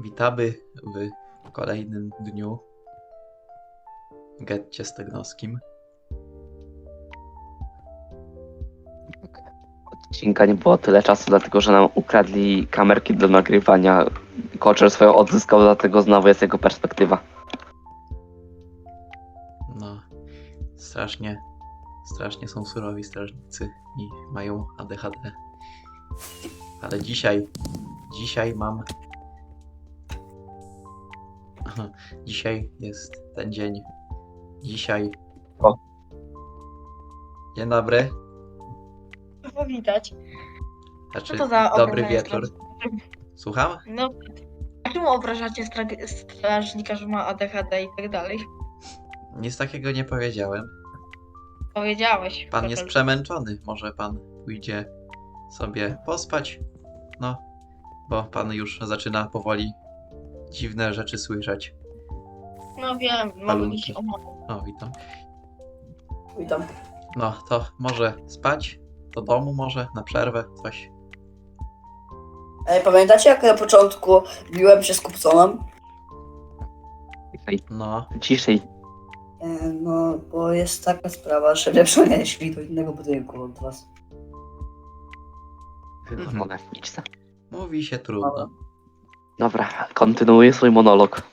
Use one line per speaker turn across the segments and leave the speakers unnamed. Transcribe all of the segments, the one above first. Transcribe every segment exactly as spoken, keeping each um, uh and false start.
Witamy w kolejnym dniu w getcie stygnoskim.
Odcinka nie było tyle czasu, dlatego że nam ukradli kamerki do nagrywania. Koczer swoją odzyskał, dlatego znowu jest jego perspektywa.
No, strasznie, strasznie są surowi strażnicy i mają A D H D. Ale dzisiaj, dzisiaj mam... Aha, dzisiaj jest ten dzień. Dzisiaj...
O.
Dzień dobry.
Powitać.
Znaczy,
Co to za
dobry
obrażanie
wieczór.
strażnika?
Słucham?
No, a czemu obrażacie stra- strażnika, że ma A D H D i tak dalej?
Nic takiego nie powiedziałem.
Powiedziałeś.
Pan jest
Koczel.
przemęczony. Może pan pójdzie sobie pospać? No, bo pan już zaczyna powoli dziwne rzeczy słyszeć.
No wiem, mogę
Balunki.
mi się omówić.
O, witam.
Witam.
No, to może spać? Do domu może? Na przerwę? Coś?
Ej, pamiętacie jak na początku biłem się z Kupconem?
Ciszej,
No,
ciszej.
E, no, bo jest taka sprawa, że nie przenieśli do innego budynku od was.
Wywalone. Idź za.
mówi się trudno.
Dobra, kontynuuję swój monolog.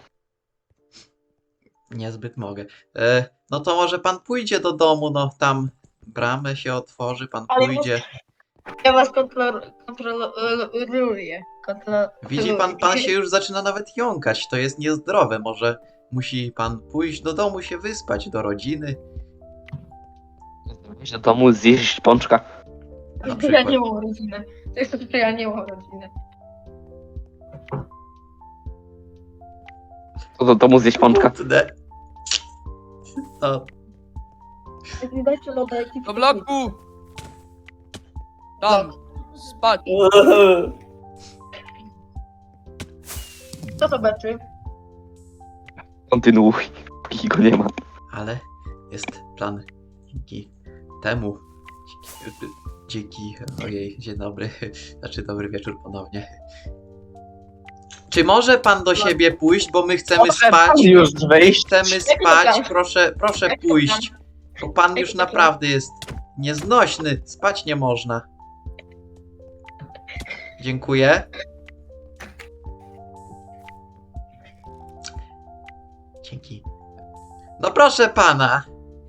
Niezbyt mogę. E, no to może pan pójdzie do domu, no tam bramę się otworzy, pan
Ale
pójdzie.
Ja was kontrol- kontroluję. Kontroluję.
Widzi pan, pan się już zaczyna nawet jąkać, to jest niezdrowe. Może musi pan pójść do domu, się wyspać, do rodziny.
Iść do domu, zjeść pączka.
Na
Ja
przykład.
nie mam rodziny. To jest to, że ja nie mam rodziny.
To do domu zjeść pączka.
Kurde. No,
Jak mi dajcie loda, jaki
Do bloku! Tam! Spać!
Co to beczy?
Kontynuuj, póki go nie ma.
ale jest plan dzięki temu. Dzięki, dzięki, ojej, dzień dobry, znaczy dobry wieczór ponownie. Czy może pan do siebie pójść, bo my chcemy
Może
spać?
pan już wyjść?
Chcemy spać, proszę, proszę pójść. Bo pan już naprawdę jest nieznośny, spać nie można. Dziękuję. Dzięki. No proszę pana.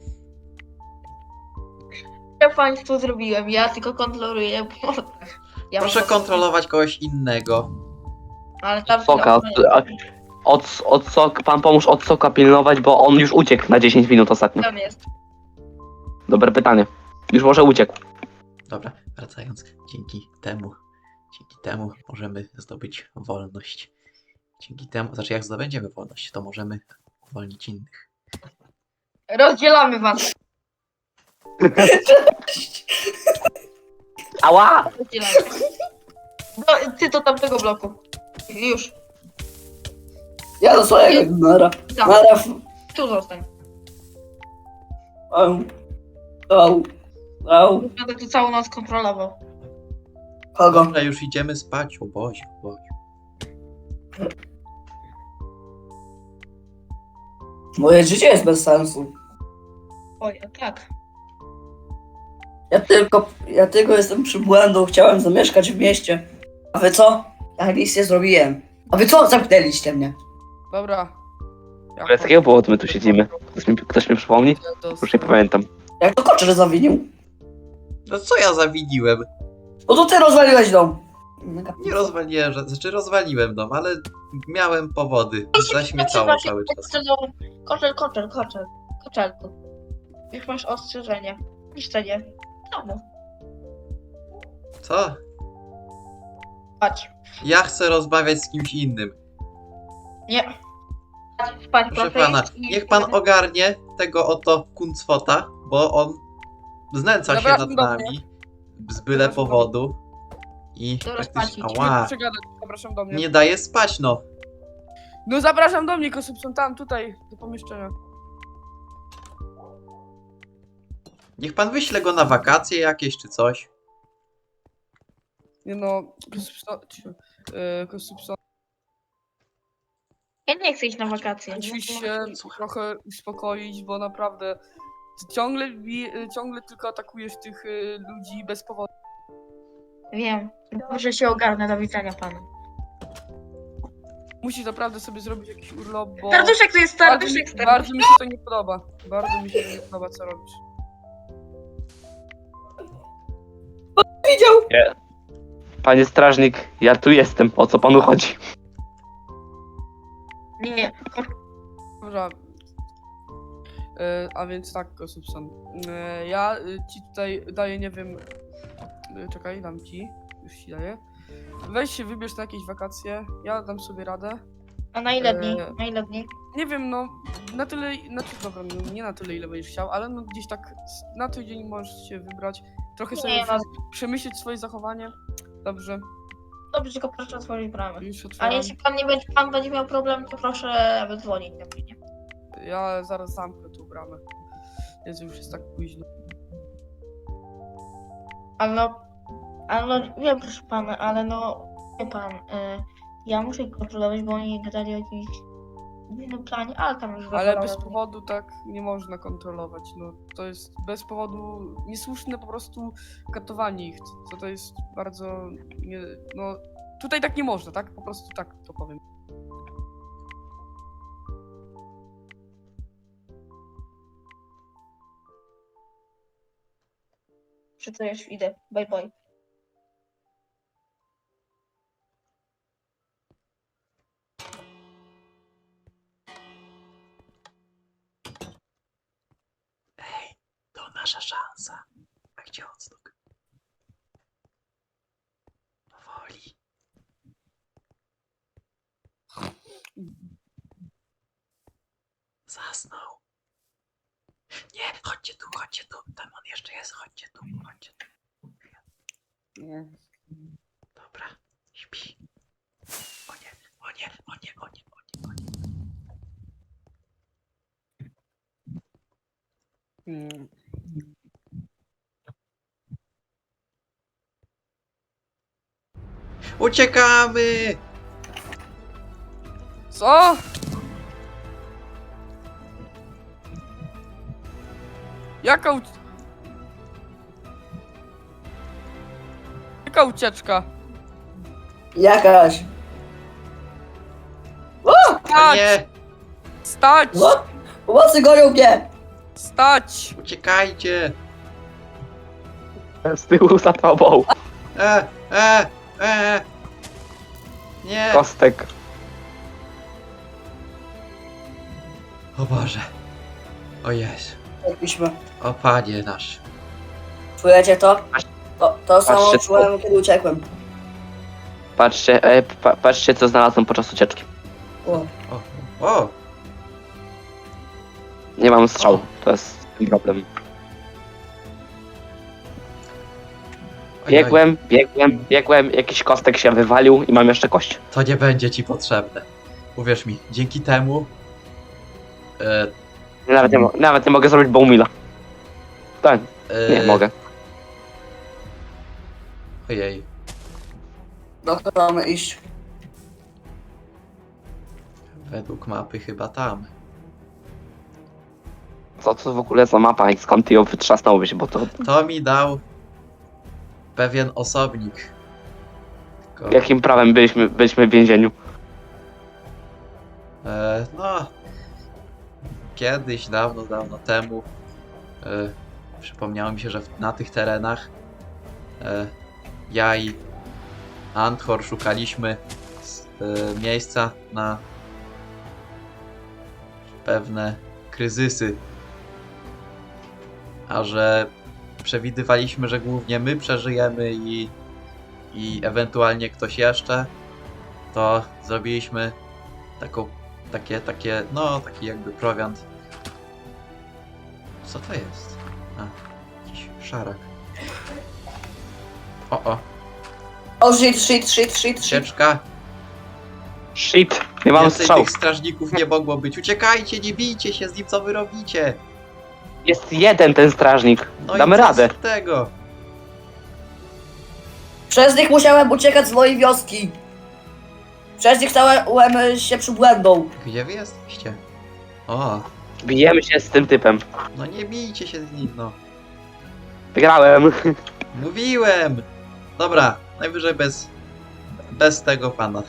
Ja państwu zrobiłem, ja tylko kontroluję. Ja
Proszę
mam-
kontrolować kogoś innego.
Ale tam
Soka, od, od, od sok, pan pomóż od soka pilnować, bo on już uciekł na dziesięć minut ostatnio.
tam jest.
Dobre pytanie. Już może uciekł.
Dobra, wracając, dzięki temu, dzięki temu możemy zdobyć wolność. Dzięki temu, znaczy jak zdobędziemy wolność, to możemy uwolnić innych.
Rozdzielamy was.
Ała!
Rozdzielamy. No, ty do tamtego bloku. Już.
Ja do swojego, nara.
Tam.
Nara.
Tu zostań.
Au. Au. Au.
Będę tu całą noc kontrolował.
Kogo?
Dobra, już idziemy spać, o Boziu, o Boziu.
Moje życie jest bez sensu.
Oj, tak.
Ja tylko, ja tylko jestem przybłędą, chciałem zamieszkać w mieście. A wy co? Ja nic nie zrobiłem. A wy co? Zamknęliście mnie.
Dobra. Ja
Ale z jakiego powodu my tu siedzimy? Ktoś mi, ktoś mi przypomni?
to
Już nie pamiętam.
Jak to Koczer zawinił?
No co ja zawiniłem?
No to ty rozwaliłeś dom.
Nie rozwaliłem, że- znaczy rozwaliłem dom, ale miałem powody. Zaśmiecało cały czas.
Koczel, koczel, koczel. Koczelku. Już masz ostrzeżenie. Niszczenie. Domu.
Co?
Spać.
Ja chcę rozmawiać z kimś innym.
Nie. Spać, spać
Proszę
proszę
pana,
iść i-
niech pan ogarnie tego oto kuncwota, bo on znęca się
Zapraszam
nad
do
nami z byle
Zapraszam do
powodu i
To
praktycznie,
rozpacić.
ała,
Przegadać, zapraszam do mnie.
nie daje spać no.
No zapraszam do mnie, Kosubson, tam, tutaj, do pomieszczenia.
Niech pan wyśle go na wakacje jakieś czy coś.
Nie no, Kosubson, yy, Kosubson.
Ja nie chcę iść na wakacje.
Musisz
Nie
się
chcę.
trochę uspokoić, bo naprawdę ciągle, bi- ciągle tylko atakujesz tych y, ludzi bez powodu.
Wiem. Dobrze się ogarnę. Do widzenia panu.
Musisz naprawdę sobie zrobić jakiś urlop, bo
Serduszek to jest
bardzo, mi,
serduszek.
bardzo mi się to nie podoba. Bardzo mi się to nie podoba, co robisz.
Widział!
Panie strażnik, ja tu jestem, o co panu chodzi?
Nie, nie.
Dobra. E, a więc tak, Kosubson. E, ja y, ci tutaj daję, nie wiem. E, czekaj, dam ci. Już ci daję. Weź się, wybierz na jakieś wakacje. Ja dam sobie radę.
A na ile dni?
Eee,
Na ile dni?
Nie wiem, no na tyle, znaczy dobra, no, nie na tyle ile będziesz chciał, ale no gdzieś tak s- na tydzień możesz się wybrać, trochę sobie
Nie, no.
przemyśleć swoje zachowanie. Dobrze,
Dobrze, tylko proszę otworzyć bramę.
już
A
otwieram.
jeśli pan nie będzie, pan będzie miał problem, to proszę wydzwonić do mnie.
Ja zaraz zamknę tą bramę. Jezu, już jest tak późno.
Ale no, ale no, wiem proszę pana, ale no, wie pan, y, ja muszę ich kontrolować, bo oni gadali o jakimś innym planie, ale tam już
Ale
wypadało.
bez powodu tak nie można kontrolować, no to jest bez powodu niesłuszne po prostu katowanie ich, to, to jest bardzo, nie, no tutaj tak nie można, tak? Po prostu tak to powiem.
Czy to już idę, bye bye.
Ej, to nasza szansa. A gdzie odstuk? Powoli. Zasnął. Nie, chodźcie tu, chodźcie tu. Tam on jeszcze jest, chodźcie tu, chodźcie tu. Dobra, śpi. O nie, o nie, o nie, o nie, o nie, o nie.
Mm.
Uciekamy!
Co? Jaka uc... Jaka ucieczka?
Jakaś.
A
Stać!
nie!
Stać!
What? Pomocy gonią mnie!
Stać!
Uciekajcie!
Z tyłu za tobą.
E, e, e! Nie!
Kostek.
O Boże. O Jezu.
Jakbyśmy.
O Panie nasz.
Czujecie to? To, to samo
Patrzcie,
czułem, kiedy uciekłem.
Patrzcie, e, pa, patrzcie co znalazłem podczas ucieczki.
O.
O, o!
Nie mam strzału, to jest ten problem.
Oj, oj,
Biegłem, biegłem, biegłem, jakiś kostek się wywalił i mam jeszcze kość.
to nie będzie ci potrzebne. Uwierz mi, dzięki temu. E,
Nawet nie, mo- nawet nie mogę zrobić bowmila. Tak,
e,
nie mogę.
Ojej.
Doktor, mamy iść.
Według mapy chyba tam.
Co to w ogóle za mapa i skąd ty ją wytrzasnąłbyś, bo to
To mi dał pewien osobnik. Tylko,
jakim prawem byliśmy, byliśmy w więzieniu?
e, no. Kiedyś, dawno, dawno temu. E, przypomniało mi się, że w, na tych terenach e, ja i Anthor szukaliśmy s- e, miejsca na pewne kryzysy. A że przewidywaliśmy, że głównie my przeżyjemy i, i ewentualnie ktoś jeszcze, to zrobiliśmy taką, takie, takie, no taki jakby prowiant. Co to jest? A, jakiś szarak. O, o,
O, shit, shit, shit, shit, shit.
sieczka.
Shit, nie mam
Więcej
strzału.
tych strażników nie mogło być. Uciekajcie, nie bijcie się z nim, co wy robicie.
Jest jeden ten strażnik.
No
Damy
i co
radę.
z tego?
Przez nich musiałem uciekać z mojej wioski. Przecież stałem się przybłędą.
Gdzie wy jesteście? O,
Bijemy się z tym typem.
no nie bijcie się z nim, no.
Wygrałem.
Mówiłem! Dobra, najwyżej bez... Bez tego pana.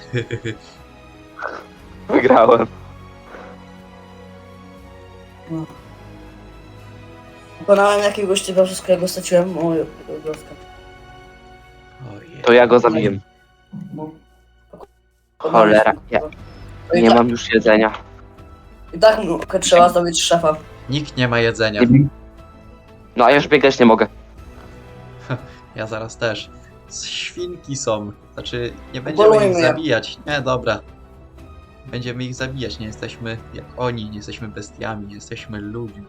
Wygrałem.
Pokonałem jakiegoś typa, przez którego straciłem moją wioskę.
Ojej.
To ja go zabiję.
No.
Cholera, ja
No i
nie
tak,
mam już jedzenia.
I tak no, trzeba zdobyć szefa.
Nikt nie ma jedzenia.
No a ja już biegać nie mogę.
Ja zaraz też. Świnki są. Znaczy, nie będziemy
Polujmy
ich
je.
zabijać. Nie, dobra. Będziemy ich zabijać. Nie jesteśmy jak oni. Nie jesteśmy bestiami. Nie jesteśmy ludźmi.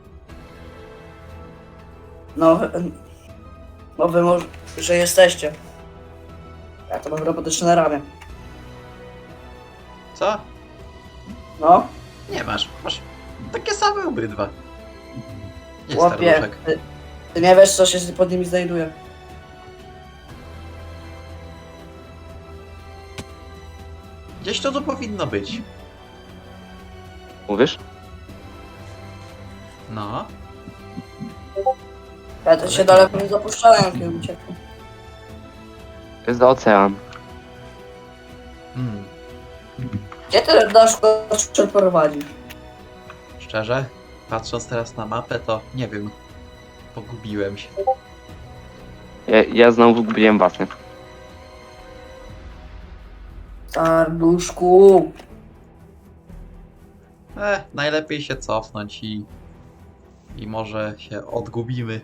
No, wy- no wy może, że jesteście. Ja to mam robotyczne na ramię.
Co?
No,
Nie masz. Masz takie same obydwa. Nie
chłopie,
staruszek.
ty, ty nie wiesz, co się pod nimi znajduje.
Gdzieś to tu powinno być.
Mówisz?
No.
Ja to się daleko nie zapuszczałem, jak ja uciekłem.
To jest za ocean.
Hmm.
Gdzie ty dasz go prowadzić?
Szczerze, patrząc teraz na mapę, to nie wiem. Pogubiłem się.
Ja, ja znowu zgubiłem was, nie?
Sarduszku.
E, najlepiej się cofnąć i... I może się odgubimy.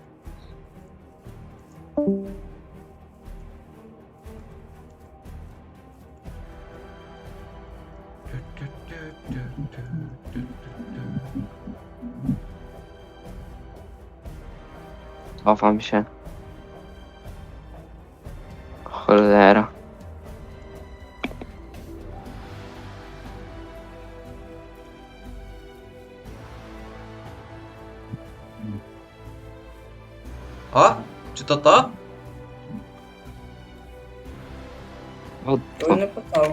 Cofam się. Cholera.
O! Czy to to?
O,
To nie pytałem.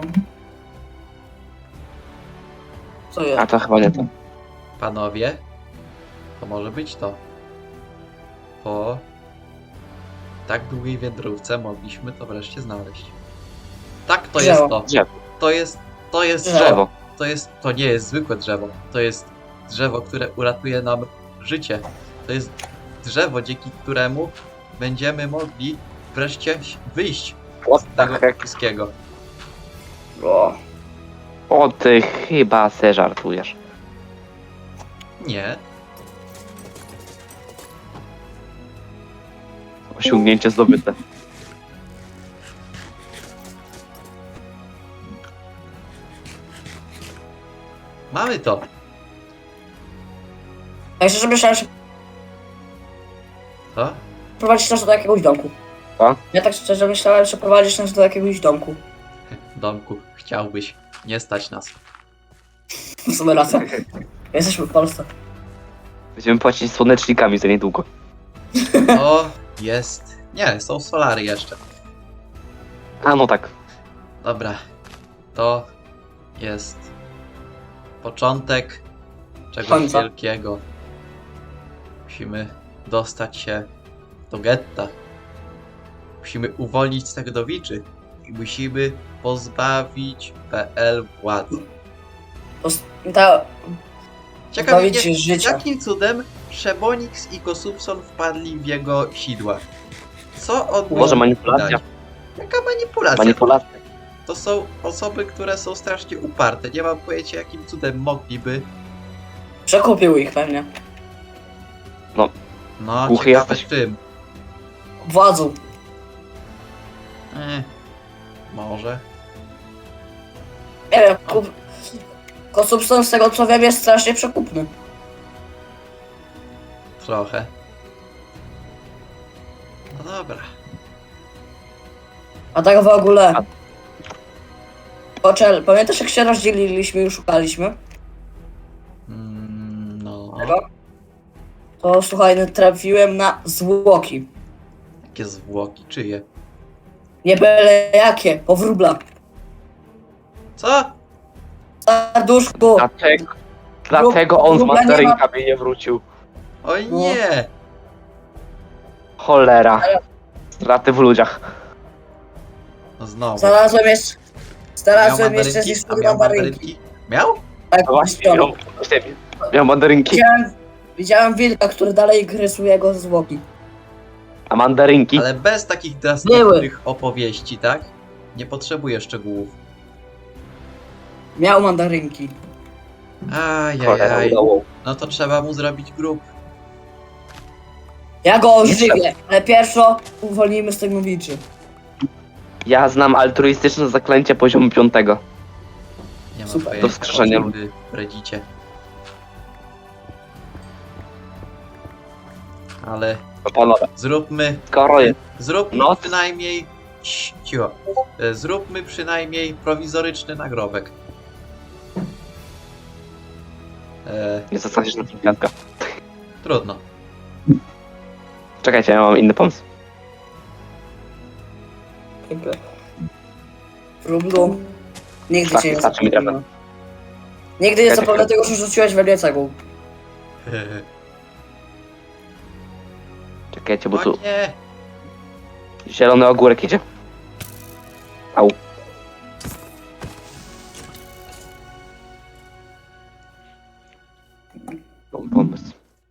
Co
a
jest?
to chyba nie to.
Panowie? To może być to. Po tak długiej wędrówce mogliśmy to wreszcie znaleźć. Tak, to jest
Drzewo.
to.
Drzewo.
To jest, to jest
Drzewo.
drzewo.
Drzewo.
To jest, to nie jest zwykłe drzewo. To jest drzewo, które uratuje nam życie. To jest drzewo, dzięki któremu będziemy mogli wreszcie wyjść
What
z
the
tego
heck?
wszystkiego.
O,
O, ty chyba se żartujesz.
Nie.
Osiągnięcie zdobyte.
Mamy to.
ja szczerze myślałem, że
To?
prowadzisz nas do jakiegoś domku.
Co?
Ja tak szczerze myślałem, że prowadzisz nas do jakiegoś domku.
Domku, chciałbyś. Nie stać nas.
W sumie racja. Jesteśmy w Polsce.
Będziemy płacić słonecznikami za niedługo.
O, jest. Nie, są solary jeszcze.
A no tak.
Dobra. To jest początek czegoś
Końca.
wielkiego. Musimy dostać się do getta. Musimy uwolnić Stagdowiczy. I musimy pozbawić P L władzy.
To s- ta,
Ciekawe,
pozbawić się życia.
jakim cudem Szebonix i Kosubson wpadli w jego sidła? Co on
Może
mógł
manipulacja?
dać? Jaka manipulacja?
Manipulacja.
To są osoby, które są strasznie uparte. Nie mam pojęcia, jakim cudem mogliby.
Przekupił ich pewnie.
No,
Głuchy
ciekawe
jesteś.
czym.
Władzą.
Eh, może.
Nie wiem, kup... Kosubson z tego co wiem jest strasznie przekupny.
Trochę. No dobra.
A tak w ogóle.
A-
Poczel, pamiętasz jak się rozdzieliliśmy i szukaliśmy?
Mm, no.
Tego? To słuchaj, no, trafiłem na zwłoki.
Jakie zwłoki? Czyje?
Nie byle jakie, powróbla.
Co?
Serduszku!
Dlatego, dlatego on z
Grubla nie ma-
mandarynkami nie wrócił.
Oj
No.
nie!
Cholera. Straty w ludziach.
No znowu.
Znalazłem jeszcze... Znalazłem
Miał
jeszcze
mandarynki?
z
A
listy
miał
mandarynki.
mandarynki? Miał?
Tak,
No właśnie, miał, właśnie, miał mandarynki.
Widziałem, widziałem wilka, który dalej rysuje go zwłoki.
A mandarynki?
Ale bez takich
Były.
drastycznych opowieści, tak? Nie potrzebuję szczegółów.
Miał mandarynki.
Cholera,
Ajajaj.
udało.
No to trzeba mu zrobić grup.
Ja go ożywię, ale pierwszo uwolnijmy z tego wilczy.
Ja znam altruistyczne zaklęcie poziomu piątego.
Nie mam
Super.
pojęcia,
Do wskrzeszenia
o czym wy bredzicie. Ale
No panowie,
zróbmy,
skoro jest.
zróbmy
No.
przynajmniej... Cii, Cicho. E, Zróbmy przynajmniej prowizoryczny nagrobek. E,
Nie zostaniesz na tym piątka.
trudno.
Czekajcie, ja mam inny pomysł.
Wróblu. Nigdy
Tak,
cię nie
wystarczy mi
zapomnę. Nigdy nie
Czekaj,
zapomnę
czekaj.
tego, że rzuciłeś we mnie cegłą.
Czekajcie, bo
O
tu
nie!
zielony ogórek idzie. Au. Mam pomysł.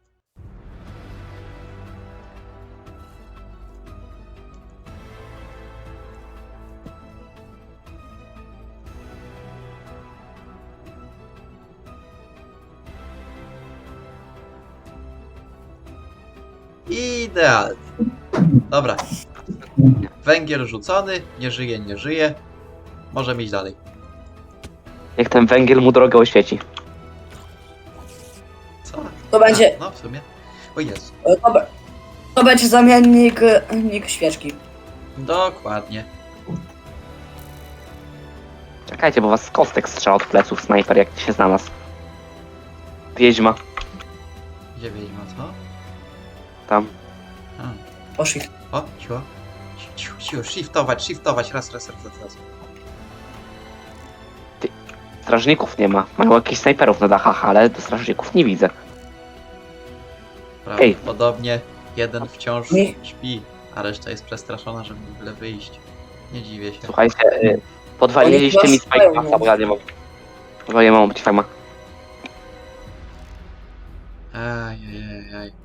Idealnie. Dobra. Węgiel rzucony, nie żyje, nie żyje. Możemy iść dalej.
Niech ten węgiel mu drogę oświeci.
Co?
To będzie,
A, no w sumie. O Jezu.
to, be- to będzie zamiennik e, nik świeczki.
Dokładnie.
Czekajcie, bo was z kostek strzela od pleców snajper, jak się znalazł. Wiedźma.
Gdzie wiedźma, co?
Tam.
A.
Poszli.
O, cicho. Cicho, cicho, shiftować, shiftować, raz, raz, raz, raz, raz.
Strażników nie ma. Mają jakichś snajperów na dachach, ale do strażników nie widzę.
Prawdopodobnie jeden wciąż
Nie.
śpi, a reszta jest przestraszona, żeby w ogóle wyjść. Nie dziwię się.
Słuchajcie, y, podwaliliście
Oni
mi
chyba szukają,
spajka, bo ja nie mam. Bo ja mam być fajma.
Ajajaj.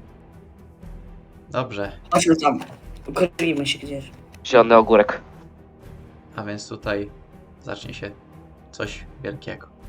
Dobrze,
Chodźmy tam. Ukryjmy się gdzieś.
Zielony ogórek.
a więc tutaj zacznie się coś wielkiego.